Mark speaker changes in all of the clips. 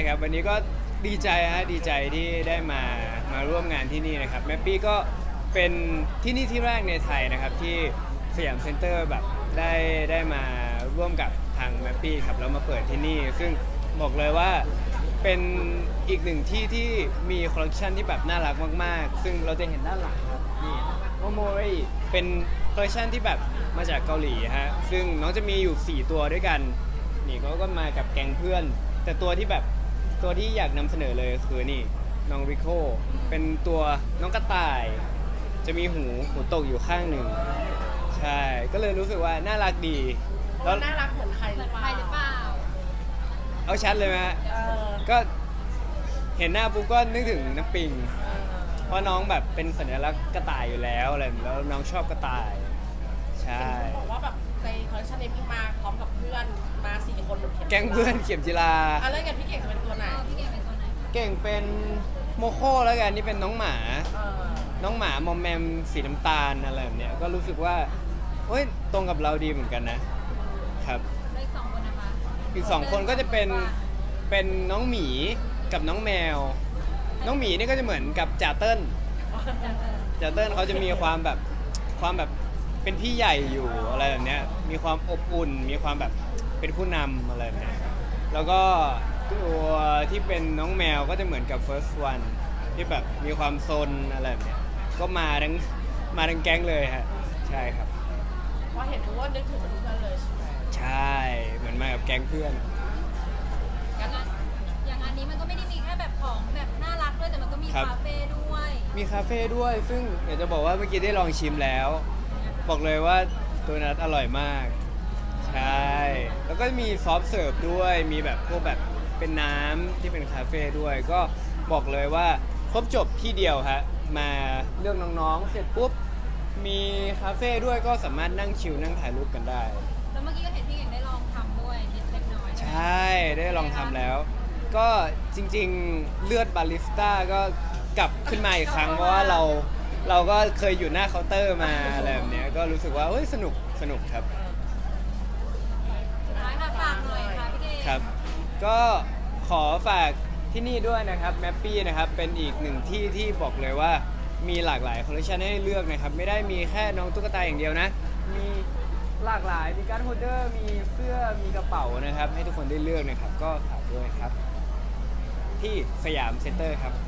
Speaker 1: ครับวันนี้ก็ดีใจดีใจที่ได้มาร่วมงานที่นี่นะครับแมปปี้ก็เป็นที่นี่ที่แรกในไทยนะครับที่สยามเซ็นเตอร์แบบได้มาร่วมกับทางแมปปี้ครับแล้วมาเปิดที่นี่ซึ่งบอกเลยว่าเป็นอีกหนึ่งที่ที่มีคอลเลคชันที่แบบน่ารักมากๆซึ่งเราจะเห็นด้านหลังครับนี่โมโมริเป็นคอลเลคชันที่แบบมาจากเกาหลีฮะซึ่งน้องจะมีอยู่4ตัวด้วยกันนี่ก็มากับแก๊งเพื่อนแต่ตัวที่แบบตัวที่อยากนำเสนอเลยคือนี่น้องริโคเป็นตัวน้องกระต่ายจะมีหูตกอยู่ข้างหนึ่งใช่ก็เลยรู้สึกว่าน่ารักดีแล้ว
Speaker 2: น่ารักเหมือนใครหรือเปล่า
Speaker 3: ใครหรือเปล่า
Speaker 1: เอาชัดเลยไหมฮะ
Speaker 2: เออ
Speaker 1: ก็เห็นหน้าปุ๊บก็นึกถึงน้ำปิง
Speaker 2: เออ
Speaker 1: เพราะน้องแบบเป็นสัญลักษณ์กระต่ายอยู่แล้วอะไรแล้วน้องชอบกระต่ายใช่
Speaker 2: บอกว่าแบบในคอลเลคชันนี้พี่มาพร้อมกับเพื่อนมา4 คนหมดเข็ม
Speaker 1: แก๊งเพื่อนเข็มจิลา
Speaker 2: อ่ะแล้วกันพี่เก่งจะเป็นตัวไหน
Speaker 3: พี่เก่งเป็นตัวไหนคะ
Speaker 1: เก่งเป็นโมโค่แล้วกันนี่เป็นน้องหมา
Speaker 2: เออ
Speaker 1: น้องหมามอมแมมสีน้ำตาลอะไรแบบเนี้ยก็รู้สึกว่าเฮ้ยตรงกับเราดีเหมือนกันนะครับ
Speaker 3: แล้วอีก2 คนนะคะ
Speaker 1: อีก2 คนก็จะเป็นน้องหมีกับน้องแมว น้องหมีนี่ก็จะเหมือนกับจ่าเติ้ลจ่าเติ้ลเขาจะมีความแบบเป็นพี่ใหญ่อยู่อะไรแบบเนี้ยมีความอบอุ่นมีความแบบเป็นผู้นำอะไรแบบเนี้ยแล้วก็ตัวที่เป็นน้องแมวก็จะเหมือนกับ first one ที่แบบมีความซนอะไรแบบเนี้ยก็มาทั้งแก๊งเลยฮะใช่ครับ
Speaker 2: พอเห็นทุกคนนึกถึงเพื่อนเลยใช่ไหม
Speaker 1: ใช่เหมือนมากับแก๊งเพื่อน
Speaker 3: อย่างอันนี้มันก็ไม่ได้มีแค่แบบของแบบน่ารักด้วยแต่มันก็มี
Speaker 1: ครับ
Speaker 3: คาเฟ่ด้วย
Speaker 1: มีคาเฟ่ด้วยซึ่งอยากจะบอกว่าเมื่อกี้ได้ลองชิมแล้ว บอกเลยว่าตัวนัทอร่อยมาก ใช่ แล้วก็มีซอฟต์เสิร์ฟด้วยมีแบบพวกแบบเป็นน้ำที่เป็นคาเฟ่ด้วย ก็บอกเลยว่าครบจบที่เดียวฮะมาเลือกน้องๆเสร็จปุ๊บมีคาเฟ่ด้วยก็สามารถนั่งชิลนั่งถ่ายรูปกันได้
Speaker 3: แล้วเมื่อกี้ก็เห็นพี่เก่งได้ลองทำด้วยนิดเล็กน้อย
Speaker 1: ใช่ได้ลองทำแล้ว ก็จริงๆเลือดบาริสต้าก็กลับขึ้นมาอีกครั้ง เพราะว่าเราก็เคยอยู่หน้าเคาน์เตอร์มาอะไรแบบเนี้ยก็รู้สึกว่าเฮ้ยสนุกครับ
Speaker 3: สุดท้ายค่ะฝากหน่อยค่ะพี่เก่ง
Speaker 1: ครับ ก็ขอฝากที่นี่ด้วยนะครับแมปปี้นะครับเป็นอีกหนึ่งที่ที่บอกเลยว่ามีหลากหลายคอลเลคชันให้เลือกนะครับไม่ได้มีแค่น้องตุ๊กตาอย่างเดียวนะ มีหลากหลายมีการ์ดโฮลเดอร์มีเสื้อมีกระเป๋านะครับให้ทุกคนได้เลือกนะครับก็ฝากด้วยครับ ที่สยามเซ็นเตอร์ครับ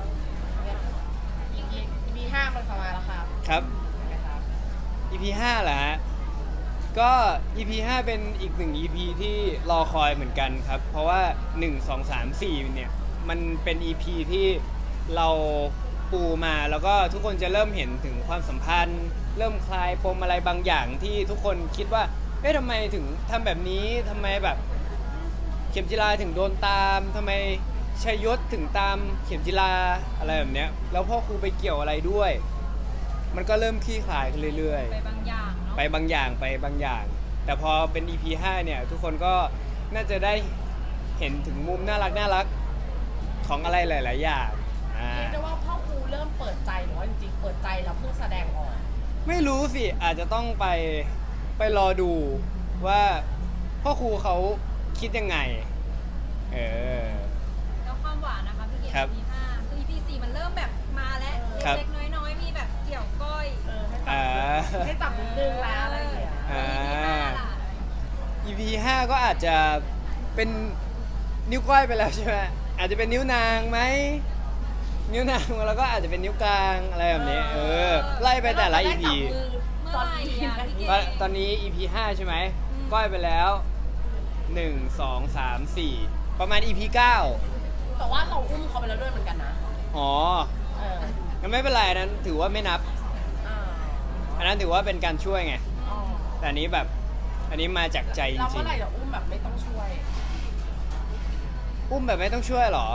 Speaker 2: มี5มันประมาณแล้วครับ
Speaker 1: ครับ
Speaker 2: นะครับ
Speaker 1: EP 5เหรอฮะ ก็ EP 5 เป็นอีกหนึ่ง EP ที่รอคอยเหมือนกันครับ เพราะว่า 1 2 3 4 เนี่ย มันเป็น EP ที่เราปูมาแล้วก็ทุกคนจะเริ่มเห็นถึงความสัมพันธ์ เริ่มคลายปมอะไรบางอย่างที่ทุกคนคิดว่า เอ๊ะทำไมถึงทำแบบนี้ทำไมแบบ เข็มจิราถึงโดนตามทำไมชัยยศถึงตามเข็มจิราอะไรแบบเนี้ยแล้วพ่อครูไปเกี่ยวอะไรด้วย มันก็เริ่มคลี่คลายขึ้นเรื่อย
Speaker 3: ไปบางอย่างเนาะ
Speaker 1: ๆ ไปบางอย่าง แต่พอเป็น EP 5 เนี่ย ทุกคนก็น่าจะได้เห็นถึงมุมน่ารักของอะไรหลาย ๆ อย่าง
Speaker 2: เรียกได้ว่าพ่อครูเริ่มเปิดใจหรือว่าจริงๆเปิดใจแล้วเพิ่งแสดงออก
Speaker 1: ไม่รู้สิอาจจะต้องไปรอดูว่าพ่อครูเขาคิดยังไงเออ
Speaker 3: แล้วความหวานนะคะพี่เก่ง
Speaker 1: ครับ
Speaker 3: EP 5คือ EP 4มันเริ่มแบบมาแล้ว
Speaker 1: ครับ
Speaker 3: เล็กๆน้อยๆมีแบบเกี่ยวก้อย
Speaker 2: ให้จับนิดนึงแล้วอะไรอย่างเงี้ย
Speaker 1: อ่า
Speaker 3: EP 5ล่ะ
Speaker 1: EP 5 ก็อาจจะเป็นนิ้วก้อยไปแล้วใช่ไหมอาจจะเป็นนิ้วนางไหมนิ้วนางแล้วก็อาจจะเป็นนิ้วกลางอะไรแบบนี้ไล่ไปแต่ละ EP
Speaker 3: เมื่อไหร่อ่ะพี่เก่ง
Speaker 1: ตอนนี้ EP 5 ใช่ไหมก้อยไปแล้ว 1 2 3 4 ประมาณ EP 9
Speaker 2: แต่ว่าเราอุ้มเขาไปแล้วด้วยเหมือนกันนะ
Speaker 1: อ๋อ
Speaker 2: เออ
Speaker 1: งั้นไม่เป็นไรอันนั้นถือว่าไม่นับ
Speaker 2: อ่า
Speaker 1: อันนั้นถือว่าเป็นการช่วยไง
Speaker 2: อ๋อ
Speaker 1: แต่อันนี้แบบอันนี้มาจากใจจ
Speaker 2: เรา
Speaker 1: ริ
Speaker 2: เมื่
Speaker 1: ง
Speaker 2: อไหร่เราอุ้มแบบไม่ต้องช่วย
Speaker 1: ๆอุ้มแบบไม่ต้องช่วยเหรอ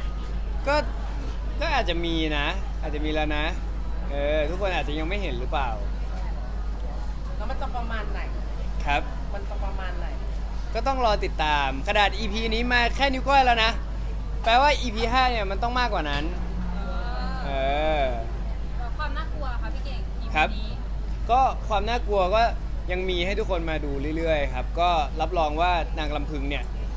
Speaker 1: ก็อาจจะมีนะ อาจจะมีแล้วนะ ทุกคนอาจจะยังไม่เห็นหรือเปล่า
Speaker 2: แล้วมันจะประมาณไหน
Speaker 1: ครับ
Speaker 2: มันจะประมาณไหน
Speaker 1: ก็ต้องรอติดตามขนาด EP นี้มาแค่นิ้วก้อยแล้วนะ แปลว่า EP 5 เนี่ยมันต้องมากกว่านั้น เออ
Speaker 3: แล้วความน่ากลัวค่ะพี่เก่ง EP
Speaker 1: ครับ
Speaker 3: นี้
Speaker 1: ก็ความน่ากลัวก็ยังมีให้ทุกคนมาดูเรื่อยๆครับ ก็รับรองว่านางลำพึงเนี่ย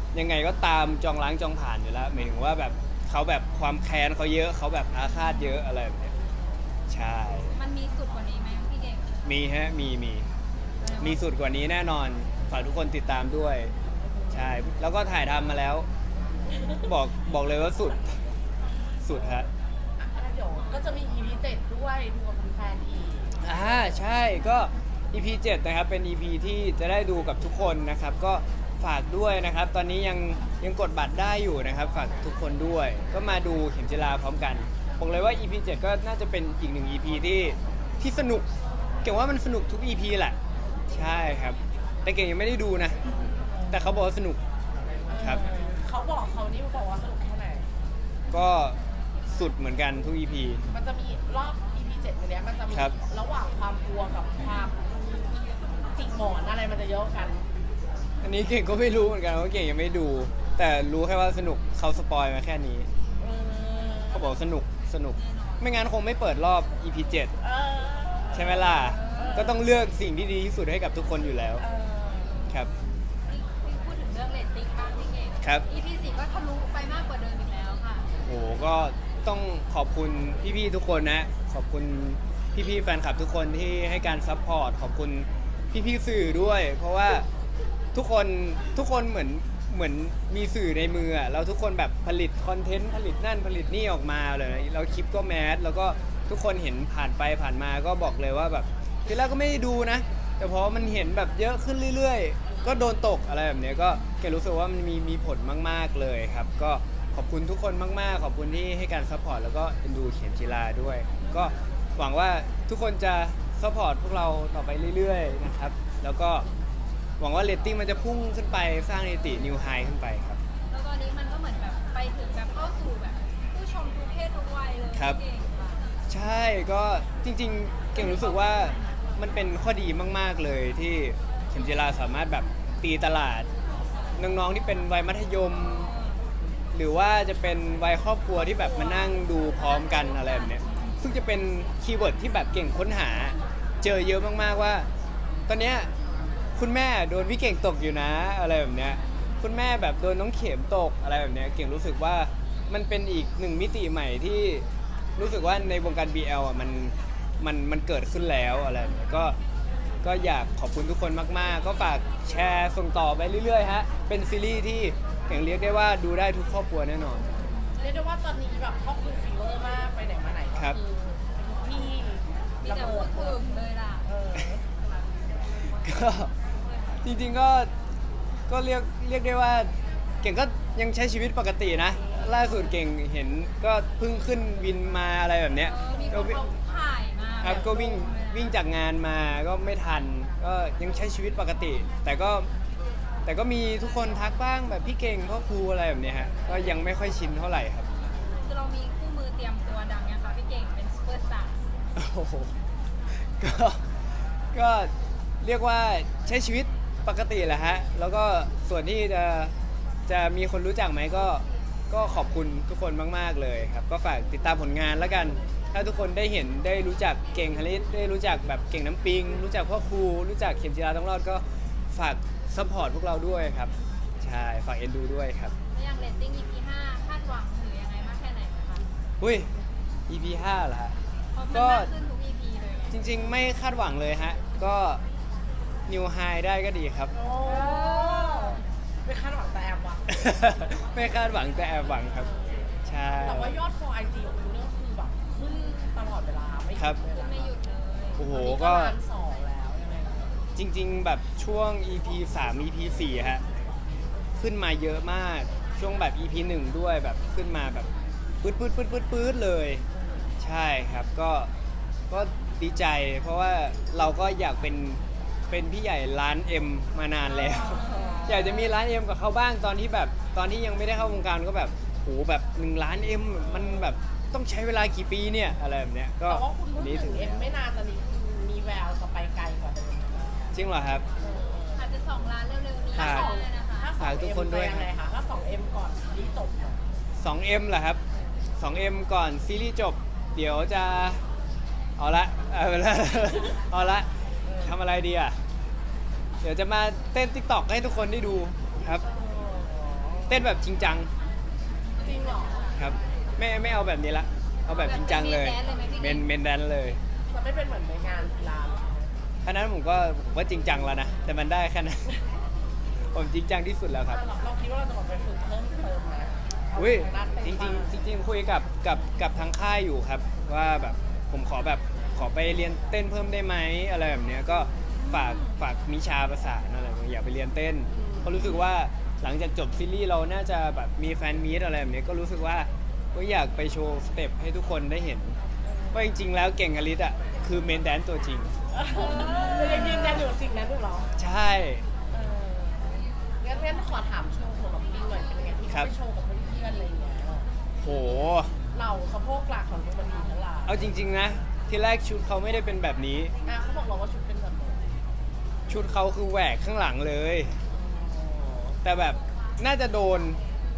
Speaker 1: ยังไงก็ตามจองล้างจองผ่านอยู่แล้วหมายถึงว่าแบบเขาแบบความแค้นเขาเยอะเขาแบบอาฆาตเยอะอะไรแบบเนี้ยใช่
Speaker 3: มันมีสุดกว่านี้ไหมพี่เก่ง
Speaker 1: มีฮะมีสุดกว่านี้แน่นอนฝากทุกคนติดตามด้วยใช่แล้วก็ถ่ายทำมาแล้ว บอกเลยว่าสุดฮะ
Speaker 2: เดี๋ยวก็จะมี EP 7ด้วยดูกับแฟนๆอีก
Speaker 1: ใช่ก็ EP 7นะครับเป็น EP ที่จะได้ดูกับทุกคนนะครับก็ฝากด้วยนะครับ ตอนนี้ยังกดบัตรได้อยู่นะครับ ฝากทุกคนด้วย ก็มาดูเข็มจีราพร้อมกันบอกเลยว่า EP 7 ก็น่าจะเป็นอีกหนึ่ง EP ที่สนุกเก่งว่ามันสนุกทุก EP แหละใช่ครับ แต่เก่งยังไม่ได้ดูนะ แต่เขาบอกว่าสนุกครับ
Speaker 2: เขาบอกว่าสนุกแค่ไหน
Speaker 1: ก็สุดเหมือนกันทุก EP
Speaker 2: มันจะมีรอบ EP 7อันเนี้ยมันจะมี
Speaker 1: ครับ
Speaker 2: ระหว่างความกลัวกับความจิกหมอนอะไรมันจะเยอะกัน
Speaker 1: อันนี้เก่งก็ไม่รู้เหมือนกันเพราะเก่งยังไม่ดู แต่รู้แค่ว่าสนุกเขาสปอยมาแค่นี้
Speaker 2: เออ
Speaker 1: เขาบอกสนุก ไม่งั้นคงไม่เปิดรอบ EP 7
Speaker 2: เออ
Speaker 1: ใช่ไหมล่ะ ก็ต้องเลือกสิ่งที่ดีที่สุดให้กับทุกคนอยู่แล้ว
Speaker 2: เออ
Speaker 1: ครับ
Speaker 3: พี่พูดถึงเรื่องเรตติ้งบ้างพี่เก่ง
Speaker 1: ครับ
Speaker 3: EP 4ก็ทะลุไปมากกว่าเดิมอีกแล้วค่ะ
Speaker 1: โหก็ต้องขอบคุณพี่ๆทุกคนนะ ขอบคุณพี่ๆแฟนคลับทุกคนที่ให้การซัพพอร์ต ขอบคุณพี่ๆสื่อด้วย เพราะว่าทุกคนเหมือนมีสื่อในมืออะแล้วทุกคนแบบผลิตคอนเทนต์ผลิตนั่นผลิตนี่ออกมาเลยแล้วคลิปก็แมสแล้วก็ทุกคนเห็นผ่านไปผ่านมาก็บอกเลยว่าแบบทีแรกก็ไม่ได้ดูนะ แต่พอมันเห็นแบบเยอะขึ้นเรื่อยๆ ก็โดนตกอะไรแบบเนี้ยก็แกรู้สึกว่ามันมีผลมากๆเลยครับ ก็ขอบคุณทุกคนมากๆ ขอบคุณที่ให้การซัพพอร์ตแล้วก็เอ็นดูเข็มจีราด้วย ก็หวังว่าทุกคนจะซัพพอร์ตพวกเราต่อไปเรื่อยๆนะครับแล้วก็หวังว่าเรตติ้งมันจะพุ่งขึ้นไปสร้างสถิตินิวไฮขึ้นไปครับ
Speaker 3: แล้วตอนนี้มันก็เหมือนแบบไปถึงแบบเข้าสู่แบบผู้ชมทุกเพศทุกวัยเลย
Speaker 1: ครับ
Speaker 3: พี่เก่งค่ะ
Speaker 1: ใช่ก็จริงๆ เก่งรู้สึกว่ามันเป็นข้อดีมากๆเลยที่เข็มจีราสามารถแบบตีตลาดน้องๆที่เป็นวัยมัธยม หรือว่าจะเป็นวัยครอบครัวที่แบบมานั่งดูพร้อมกันอะไรแบบเนี้ยซึ่งจะเป็นคีย์เวิร์ดที่แบบเก่งค้นหาเจอเยอะมากๆว่า ตอนเนี้ยคุณแม่โดนพี่เก่งตกอยู่นะอะไรแบบเนี้ยคุณแม่แบบโดนน้องเข็มตกอะไรแบบเนี้ยเก่งรู้สึกว่ามันเป็นอีกหนึ่งมิติใหม่ที่รู้สึกว่าในวงการ BL อ่ะมันเกิดขึ้นแล้วอะไรแบบเนี้ยก็อยากขอบคุณทุกคนมากๆ ก็ฝากแชร์ส่งต่อไปเรื่อยๆฮะเป็นซีรีส์ที่เก่งเรียกได้ว่าดูได้ทุกครอบครัวแน่นอน
Speaker 2: เรียกได้ว่าตอนนี้แบบครอบครัวฟีเวอร์มากไปไหนมาไหนก็
Speaker 1: ครับ
Speaker 2: คือที่
Speaker 3: มี
Speaker 2: ระ
Speaker 3: แต่
Speaker 2: เบิ
Speaker 3: พู
Speaker 2: ด
Speaker 3: ดถึงเลยล่ะ
Speaker 2: เออ
Speaker 1: ก็จริงๆก็เรียกได้ว่าเก่งก็ยังใช้ชีวิตปกตินะ ล่าสุดเก่งเห็นก็เพิ่งขึ้นวินมาอะไรแบบเนี้ย
Speaker 3: มีค
Speaker 1: ก็
Speaker 3: นเขาถ่ายมา
Speaker 1: ครับก็วิ่งจากงานมาก็ไม่ทัน ก็ยังใช้ชีวิตปกติ แต่ก็มีทุกคนทักบ้างแบบพี่เก่งพ่อครูอะไรแบบเนี้ยฮะก็ยังไม่ค่อยชินเท่าไหร่ครับ
Speaker 3: คือเรามีคู่มือเตรียมตัวดังยังคะพี่เก่งเป็นซูเปอร์สตาร์
Speaker 1: โอ้โหก็เรียกว่าใช้ชีวิตปกติแหละฮะ แล้วก็ส่วนที่จะมีคนรู้จักไหมก็ขอบคุณทุกคนมากๆเลยครับ ก็ฝากติดตามผลงานแล้วกัน ถ้าทุกคนได้เห็นได้รู้จักเก่งฮาริสได้รู้จักแบบเก่งน้ำปิง รู้จักพ่อครูรู้จักเข็มจีราต้องรอดก็ฝากซัพพอร์ตพวกเราด้วยครับ ใช่ ฝากเอ็นดูด้วยครับ
Speaker 3: แล้วอย่างเรตติ้ง EP 5คาดหวังหรือยังไงมากแค่ไหนคะ
Speaker 1: อุ้ย EP 5เหรอฮะ
Speaker 3: เพราะมัน
Speaker 1: ก็
Speaker 3: มากขึ้นทุก EP เลยไง
Speaker 1: จริงๆ ไม่คาดหวังเลยฮะ ก็นิวไฮได้ก็ดีครับ
Speaker 2: โอ้ไม่คาดหวังแต่แอบหวัง
Speaker 1: ไม่คาดหวังแต่แอบหวังครับ ใช่
Speaker 2: แต่ว่ายอด for IG ของคุณเนี่ยคือแบบขึ้นตลอดเวลาไม่หยุด
Speaker 1: ครับ
Speaker 2: เลย
Speaker 3: ขึ้น
Speaker 2: นะ
Speaker 3: ไม่หยุดเลย
Speaker 1: โอ้โห
Speaker 2: ตอนนี้
Speaker 1: ก็
Speaker 2: ล้านสองแล้วยังไงคะ
Speaker 1: จริงๆ แบบช่วง EP 3 EP 4ฮะ ขึ้นมาเยอะมาก ช่วงแบบ EP 1 ด้วยแบบขึ้นมาแบบปื๊ดเลย ใช่ครับ ก็ดีใจ เพราะว่าเราก็อยากเป็นพี่ใหญ่ร้าน M มานานแล้ว อยากจะมีร้าน M กับเขาบ้างตอนที่ยังไม่ได้เข้าวงการก็แบบโหแบบ1 ล้าน M มันแบบต้องใช้เวลากี่ปีเนี่ยอะไรแบบเนี้ยก็
Speaker 2: แต่ว่าคุณเพิ่ง
Speaker 1: นี้
Speaker 2: ถึงเอ็ม
Speaker 1: แล้ว
Speaker 2: ไม่นานตอนนี้คือมีแววจะไปไกลกว่าเดิมนะ
Speaker 1: จริงเหรอครับ
Speaker 3: อาจจะ2 ล้านเร็วๆนี้
Speaker 1: ฝาก
Speaker 3: ก็ได้นะคะ
Speaker 2: ถ้า
Speaker 1: ฝากทุกคนด้วย
Speaker 2: จะยังไงคะถ้า 2M ก่อนซีรีส์จบเนี่ย
Speaker 1: 2M เหรอครับ 2M ก่อนซีรีส์จบ เดี๋ยวจะเอาละ เอาละทำอะไรดีอ่ะ เดี๋ยวจะมาเต้น TikTok ให้ทุกคนได้ดูครับ
Speaker 2: เออ
Speaker 1: เต้นแบบจริงจัง
Speaker 2: จริงเหรอ
Speaker 1: ครับไม่เอาแบบนี้ละเอาแบบจริงจังเลยเมนแดนเลย
Speaker 2: จะไม่เป็นเหมือนในงานกีฬาเหรอ
Speaker 1: อันนั้นผมว่าจริงจังแล้วนะแต่มันได้แค่นั้น ผมจริงจังที่สุดแล้วครับ
Speaker 2: เราคิดว่าเราจะแบบไปฝึกเพิ่มเติมไหม
Speaker 1: อุ้ย
Speaker 2: ทางด้านเต้น
Speaker 1: จริงคุยกับทางค่ายอยู่ครับ ว่าแบบผมขอไปเรียนเต้นเพิ่มได้ไหมอะไรแบบเนี้ยก็ฝากมิชาประสานอะไรแบบนี้อยากไปเรียนเต้นเพราะรู้สึกว่าหลังจากจบซีรีส์เราน่าจะแบบมีแฟนมีตอะไรแบบเนี้ยก็รู้สึกว่าก็อยากไปโชว์สเต็ปให้ทุกคนได้เห็นว่าจริงๆแล้วเก่งอลิสอ่ะคือเมนแดนตัวจริง
Speaker 2: เรายังยืนยันอยู่กับสิ่งนั้นอยู่เหรอ
Speaker 1: ใช่
Speaker 2: เอองั้นขอถามโชว์ของเราพี่หน่อยเป็นยังไงที่
Speaker 1: ครั
Speaker 2: เขา
Speaker 1: บ
Speaker 2: ไปโชว์กับเพื่อนๆอะไรอย่างเงี้ย
Speaker 1: โห
Speaker 2: เหล่าสะโพกหลักของดูมันดีทั้งหลาย
Speaker 1: เอาจริงๆนะที่แรกชุดเขาไม่ได้เป็นแบบนี้
Speaker 2: เขาบอกเราว่าชุดเป็นแบบไหน
Speaker 1: ชุดเขาคือแหวกข้างหลังเลย แต่แบบน่าจะโดน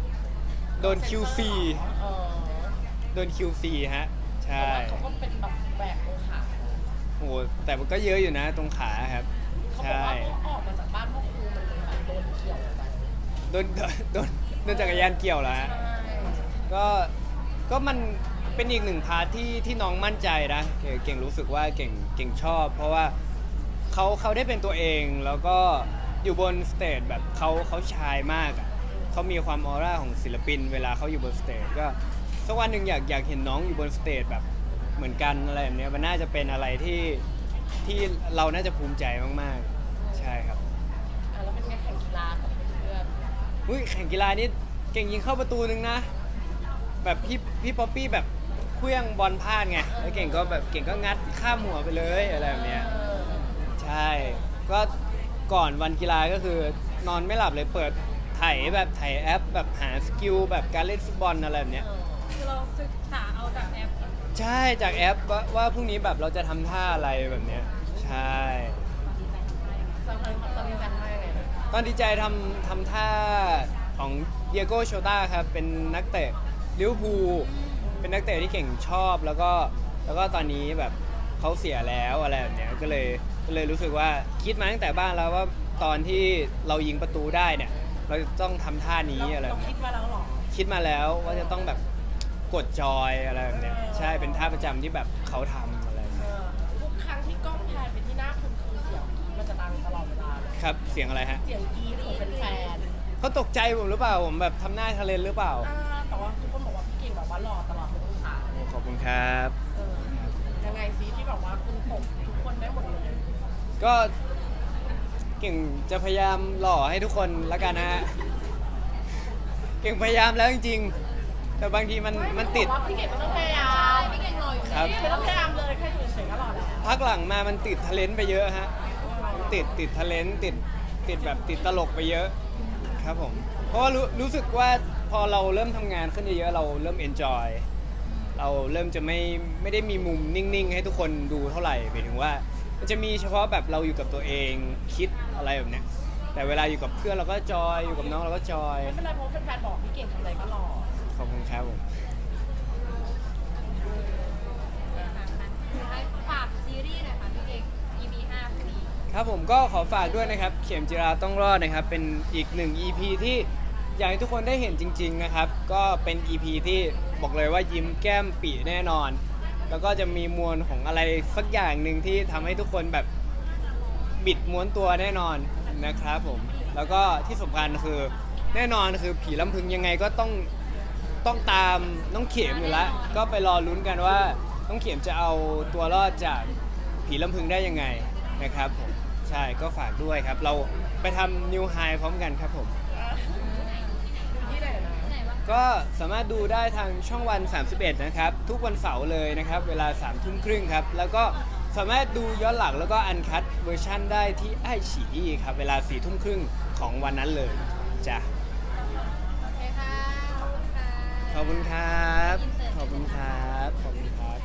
Speaker 1: QC
Speaker 2: เออ
Speaker 1: โดน QC ฮะ ใช่
Speaker 2: แต่ว่าเขาก็เป็นแบบแบกตรงขา
Speaker 1: โหแต่มันก็เยอะอยู่นะตรงขาครับ
Speaker 2: เขาบอก
Speaker 1: ใช่
Speaker 2: ว่าเขาออกมาจากบ้านพ่อครูมันเลยแบบโดนเกี่ยวไป
Speaker 1: โดนจักรยานเกี่ยวแล้วฮะ
Speaker 2: ใช่
Speaker 1: ก็มันเป็นอีกหนึ่งพาร์ทที่น้องมั่นใจนะเก่งรู้สึกว่าเก่งชอบ เพราะว่าเขาได้เป็นตัวเองแล้วก็อยู่บนสเตจแบบเขาชายมากอ่ะเขามีความออร่าของศิลปินเวลาเขาอยู่บนสเตจก็สักวันหนึ่งอยากเห็นน้องอยู่บนสเตจแบบเหมือนกันอะไรแบบเนี้ยมันน่าจะเป็นอะไรที่เราน่าจะภูมิใจมากๆใช่ครับ
Speaker 2: แล้วเป็นไงแข่งกีฬากับเพื่อน
Speaker 1: อุ้ยแข่งกีฬานี่เก่งยิงเข้าประตูนึงนะ แบบพี่ป๊อปปี้แบบเคลื่องบอลพลาดไงแล้วเก่งก็งัดข้ามหัวไปเลยอะไรแบบเนี้ยใช่ก็ก่อนวันกีฬาก็คือนอนไม่หลับเลยเปิดไถแอปแบบหาสกิลแบบการเล่นฟุตบอลอะไรแบบเนี้ย
Speaker 3: คือเราศึกษาเอาจากแอป
Speaker 1: ใช่จากแอปว่าพรุ่งนี้แบบเราจะทำท่าอะไรแบบเนี้ยใช่
Speaker 2: ตอนนี้จำได้ไงนะ
Speaker 1: ตอนดีใจทำท่าของเดียโก้โชต้าครับเป็นนักเตะลิเวอร์พูลเป็นนักเตะที่เก่งชอบแล้วก็ตอนนี้แบบเขาเสียแล้วอะไรแบบเนี้ยก็เลยรู้สึกว่าคิดมาตั้งแต่บ้านแล้วว่าตอนที่เรายิงประตูได้เนี่ยเราจะต้องทำท่านี้อะไรแบ
Speaker 2: เรา
Speaker 1: บ
Speaker 2: คิ
Speaker 1: เนี้ย
Speaker 2: ดมาแล้วเหรอ
Speaker 1: คิดมาแล้วว่าจะต้องแบบกดจอยอะไรแบบเนี้ยใช่เป็นท่าประจำที่แบบเขาทำอะไรแบบเนี้ย
Speaker 2: ทุกครั้งที่กล้องแพนไปที่หน้าคุณคือเสียงกรี๊ดมันจะดังตลอดเวลาเลย
Speaker 1: ครับเสียงอะไรฮะ
Speaker 2: เสียงกรี๊ดของแฟน
Speaker 1: เขาตกใจผมหรือเปล่าผมแบบทำหน้าทะเลนหรือเปล่า
Speaker 2: แต่ว่าทุกคนบอกว่าพี่เก่งแบบว่าหล่อตลอดทุกองศา
Speaker 1: โอ้ขอบคุณครับ
Speaker 2: ยังไงซิที่แบบว่าคุณตกทุกคนได้หมดเลย
Speaker 1: ก็เก่งจะพยายามหล่อให้ทุกคนละกันนะฮะ เก่งพยายามแล้วจริงๆ แต่บางทีมันติด
Speaker 2: ว่าพี่เก่งไม่ต้องพยายาม
Speaker 3: พี่เก่งรออยู่
Speaker 1: ครับ
Speaker 2: ไม่ต้องพยายามเลยแค่อยู่เฉยๆก็หล่อแล้ว
Speaker 1: พักหลังมามันติดทะเลนไปเยอะฮะ ติดทะเลนติดแบบติดตลกไปเยอะครับผม เพราะว่ารู้สึกว่าพอเราเริ่มทำงานขึ้นเยอะๆเราเริ่มเอนจอยเราเริ่มจะไม่ได้มีมุมนิ่งๆ ให้ทุกคนดูเท่าไหร่หมายถึงว่ามันจะมีเฉพาะแบบเราอยู่กับตัวเองคิดอะไรแบบเนี้ยแต่เวลาอยู่กับเพื่อนเราก็จอยอยู่กับน้องเราก็จอย
Speaker 2: ไม่เป็นไรเพราะแฟนๆบอกพี่เก่งทำอะไรก็หล่อ
Speaker 1: ขอบคุณครับผม
Speaker 3: ให้ฝากซีรีส์หน่อยค่ะพี่เก่ง EP 5พอดี
Speaker 1: ครับผมก็ขอฝากด้วยนะครับเข็มจิราต้องรอดนะครับเป็นอีกหนึ่ง EP ที่อยากให้ทุกคนได้เห็นจริงๆนะครับก็เป็น EP ที่บอกเลยว่ายิ้มแก้มปีแน่นอน แล้วก็จะมีมวลของอะไรสักอย่างหนึ่งที่ทำให้ทุกคนแบบบิดม้วนตัวแน่นอนนะครับผมแล้วก็ที่สำคัญคือแน่นอนคือผีลำพึงยังไงก็ต้องตามน้องเข็มอยู่แล้วก็ไปรอลุ้นกันว่าน้องเข็มจะเอาตัวรอดจากผีลำพึงได้ยังไงนะครับผมใช่ก็ฝากด้วยครับ เราไปทำนิวไฮพร้อมกันครับผม
Speaker 2: ดูที่ไหนนะ
Speaker 3: ไหนวะ
Speaker 1: ก็สามารถดูได้ทางช่องวัน 31 นะครับ ทุกวันเสาร์เลยนะครับ เวลา 3 ทุ่มครึ่งครับ แล้วก็สามารถดูย้อนหลังแล้วก็อันคัดเวอร์ชั่นได้ที่ไอฉีอีครับ เวลา 4 ทุ่มครึ่งของวันนั้นเลยจ้ะ
Speaker 3: โอเคค่ะ ขอบคุณค่ะ
Speaker 1: ขอบคุณครับ ขอบคุณครับ ขอบคุณครับ